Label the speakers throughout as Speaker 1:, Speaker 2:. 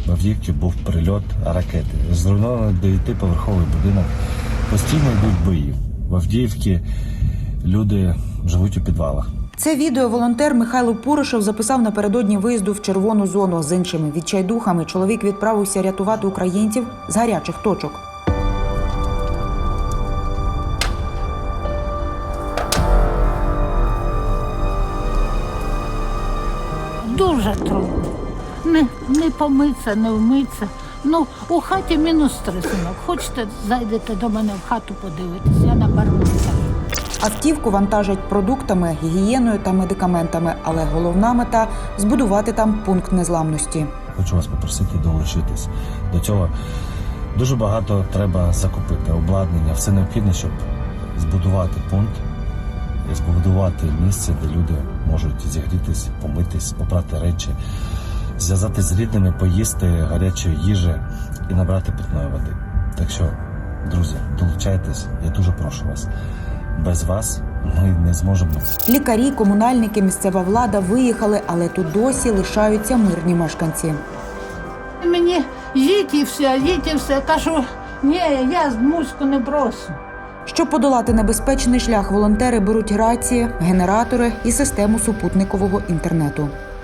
Speaker 1: в Авдіївці був прильот ракети. Зруйнований 9-поверховий будинок. Постійно йдуть бої. В Авдіївці люди живуть у підвалах.
Speaker 2: Це відео волонтер Михайло Пуришев записав напередодні виїзду в червону зону. З іншими відчайдухами чоловік відправився рятувати українців з гарячих точок.
Speaker 3: Дуже трудно. Не помитися, не вмитися. Ну, у хаті -3, синок. Хочете, зайдете до мене в хату подивитися, я на барбуся.
Speaker 2: Автівку вантажать продуктами, гігієною та медикаментами, але головна мета – збудувати там пункт незламності.
Speaker 1: Хочу вас попросити долучитись до цього. Дуже багато треба закупити, обладнання, все необхідне, щоб збудувати пункт, збудувати місце, де люди можуть зігрітись, помитись, попрати речі, зв'язатись з рідними, поїсти гарячої їжі і набрати питної води. Так що, друзі, долучайтесь, я дуже прошу вас. Без вас ми не зможемо.
Speaker 2: Лікарі, комунальники, місцева влада виїхали, але тут досі лишаються мирні мешканці.
Speaker 3: Мені їдь і все. Кажу, ні, я Муську не брошу.
Speaker 2: Щоб подолати небезпечний шлях, волонтери беруть рації, генератори і систему супутникового інтернету.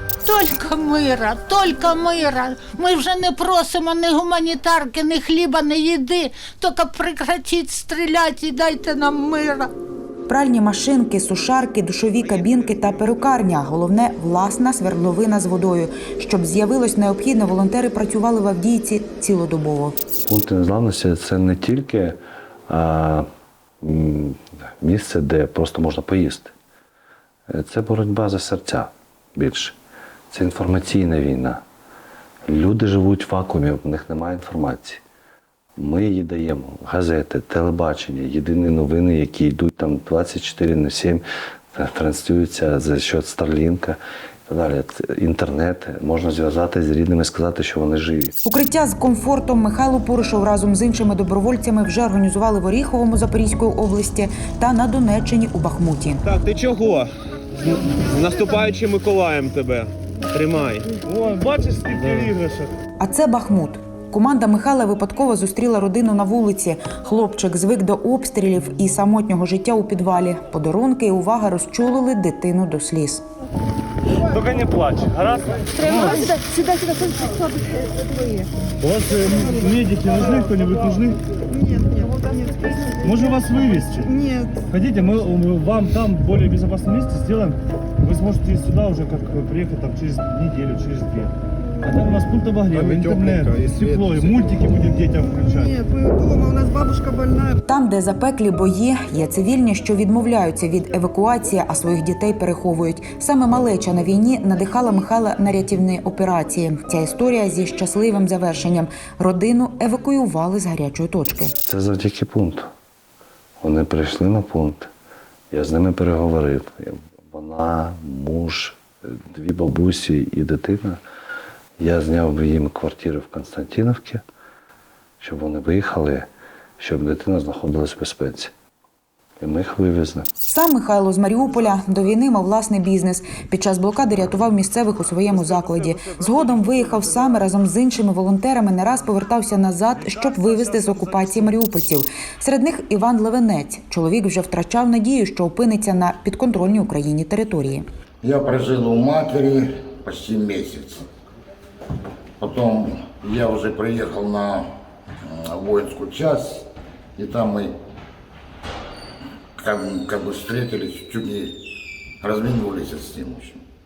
Speaker 3: Тільки мира. Ми вже не просимо ні гуманітарки, ні хліба, ні їди. Тільки прекратіть стріляти і дайте нам мира.
Speaker 2: Пральні машинки, сушарки, душові кабінки та перукарня. Головне – власна свердловина з водою. Щоб з'явилось необхідне, волонтери працювали в Авдіївці цілодобово.
Speaker 4: Пункти незламності – це не тільки місце, де просто можна поїсти. Це боротьба за серця більше. Це інформаційна війна. Люди живуть в вакуумі, в них немає інформації. Ми її даємо. Газети, телебачення, єдині новини, які йдуть там 24/7, транслюються за счет Старлінка і так далі. Інтернет, можна зв'язатися з рідними, сказати, що вони живі.
Speaker 2: Укриття з комфортом Михайло Пуришев разом з іншими добровольцями вже організували в Оріховому Запорізької області та на Донеччині у Бахмуті.
Speaker 5: Так, ти чого? З наступаючим Миколаєм тебе. Тримай.
Speaker 6: О, бачиш, скільки іграшок.
Speaker 2: А це Бахмут. Команда Михайла випадково зустріла родину на вулиці. Хлопчик звик до обстрілів і самотнього життя у підвалі. Подарунки і увага розчулили дитину до сліз.
Speaker 6: Тільки не плач, гаразд?
Speaker 7: Сюда,
Speaker 6: У вас медики нужны, кто-нибудь нужны?
Speaker 7: Нет.
Speaker 6: Можем вас вывести?
Speaker 7: Нет.
Speaker 6: Хотите, мы вам там в более безопасном месте сделаем. Вы сможете сюда уже как приехать там, через неделю, через 2. А там у нас пункт обогрева, интернет, тепло, и мультики будем детям включать.
Speaker 7: Нет, мы дома, у нас бабушка больная.
Speaker 2: Там, де запеклі бої, є цивільні, що відмовляються від евакуації, а своїх дітей переховують. Саме малеча на війні надихала Михайла на рятівні операції. Ця історія зі щасливим завершенням. Родину евакуювали з гарячої точки.
Speaker 4: Це завдяки пункту. Вони прийшли на пункт, я з ними переговорив. Вона, муж, 2 бабусі і дитина. Я зняв їм квартиру в Константинівці, щоб вони виїхали, щоб дитина знаходилась в безпеці. І ми їх вивезли.
Speaker 2: Сам Михайло з Маріуполя до війни мав власний бізнес. Під час блокади рятував місцевих у своєму закладі. Згодом виїхав сам разом з іншими волонтерами, не раз повертався назад, щоб вивезти з окупації маріупольців. Серед них Іван Левенець. Чоловік вже втрачав надію, що опиниться на підконтрольній Україні території.
Speaker 8: Я прожил у матери почти месяц. Потом я уже приехал на воинскую часть, и там мы как бы встретились, чуть не разминулись с ним.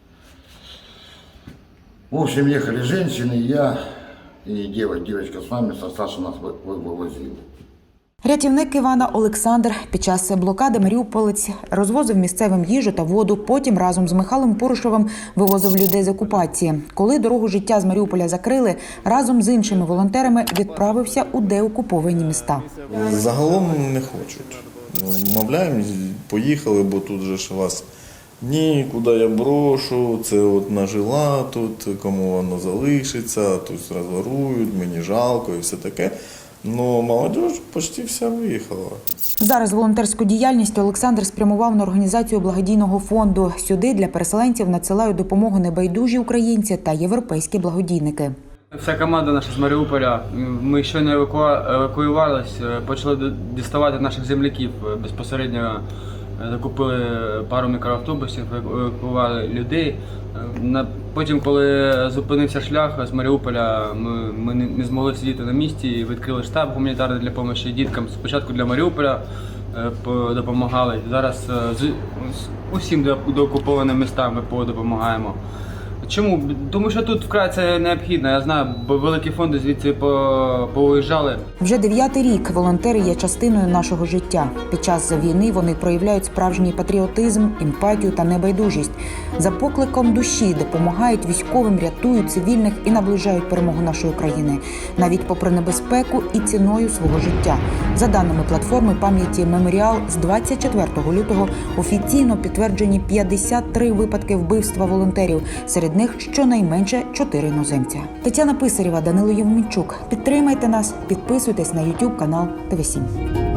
Speaker 8: В общем, ехали женщины, я и девочка с нами, Саша нас вывозила.
Speaker 2: Рятівник Івана Олександр під час блокади маріуполець розвозив місцевим їжу та воду, потім разом з Михайлом Пуришевим вивозив людей з окупації. Коли дорогу життя з Маріуполя закрили, разом з іншими волонтерами відправився у деокуповані міста.
Speaker 9: Загалом не хочуть. Мовляємо, поїхали, бо тут же ж вас ні, куди я брошу, це от нажила тут, кому воно залишиться, тут розворують, мені жалко і все таке. Ну, молодь почти вся виїхала.
Speaker 2: Зараз волонтерську діяльність Олександр спрямував на організацію благодійного фонду. Сюди для переселенців надсилають допомогу небайдужі українці та європейські благодійники.
Speaker 10: Вся команда наша з Маріуполя, ми щойно евакуювалися, почали діставати наших земляків. Безпосередньо закупили пару мікроавтобусів, евакуювали людей. Потім, коли зупинився шлях з Маріуполя, ми не змогли сидіти на місці і відкрили штаб гуманітарний для допомоги діткам. Спочатку для Маріуполя допомагали, зараз усім доокупованим містам ВПО допомагаємо. Чому? Тому що тут вкрай це необхідно. Я знаю, бо великі фонди звідси повиїжджали.
Speaker 2: Вже 9-й рік волонтери є частиною нашого життя. Під час війни вони проявляють справжній патріотизм, емпатію та небайдужість. За покликом душі допомагають військовим, рятують цивільних і наближають перемогу нашої країни. Навіть попри небезпеку і ціною свого життя. За даними платформи пам'яті «Меморіал», з 24 лютого офіційно підтверджені 53 випадки вбивства волонтерів. Серед них щонайменше 4 іноземця. Тетяна Писарєва, Данило Євменчук. Підтримайте нас, підписуйтесь на YouTube канал ТВ7.